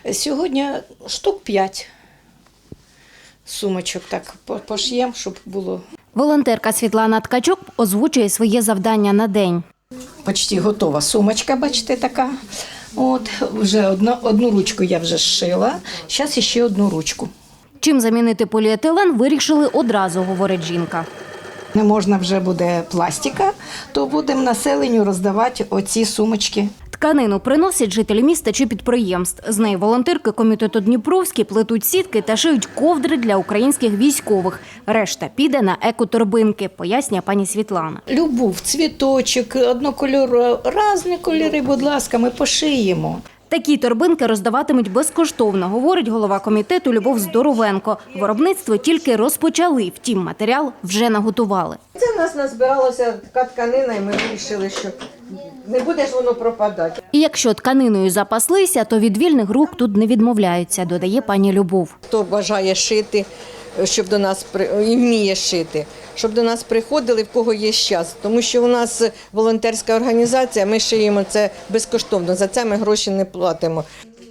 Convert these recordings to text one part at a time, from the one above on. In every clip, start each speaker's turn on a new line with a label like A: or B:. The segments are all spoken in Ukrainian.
A: Сьогодні штук 5 сумочок так пошиємо, щоб було.
B: Волонтерка Світлана Ткачук озвучує своє завдання на день.
A: Почти готова сумочка, бачите, така. От, вже одну ручку я вже зшила, зараз ще одну ручку.
B: Чим замінити поліетилен, вирішили одразу, говорить жінка.
A: Не можна вже буде пластика, то будемо населенню роздавати оці сумочки.
B: Тканину приносять жителі міста чи підприємств. З неї волонтерки комітету Дніпровський плетуть сітки та шиють ковдри для українських військових. Решта піде на екоторбинки, пояснює пані Світлана.
A: Любов, цвіточок, однокольорові, різні кольори, будь ласка, ми пошиємо.
B: Такі торбинки роздаватимуть безкоштовно, говорить голова комітету Любов Здоровенко. Виробництво тільки розпочали, втім матеріал вже наготували.
C: Це в нас назбиралася така тканина, і ми вирішили, що не буде ж воно пропадати.
B: І якщо тканиною запаслися, то від вільних рук тут не відмовляються, додає пані Любов.
C: Хто бажає шити, щоб до нас і вміє шити, щоб до нас приходили, в кого є час. Тому що у нас волонтерська організація, ми шиємо це безкоштовно, за це ми гроші не платимо.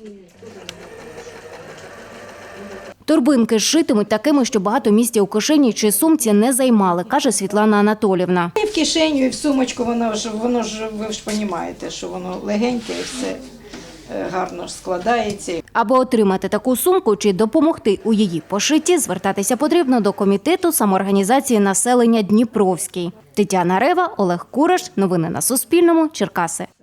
B: Торбинки зшитимуть такими, що багато місця у кишені чи сумці не займали, каже Світлана Анатоліївна.
A: І в кишеню, і в сумочку, воно ж, ви ж розумієте, що воно легеньке і все гарно складається.
B: Аби отримати таку сумку чи допомогти у її пошитті, звертатися потрібно до комітету самоорганізації населення Дніпровський. Тетяна Рева, Олег Кураш. Новини на Суспільному. Черкаси.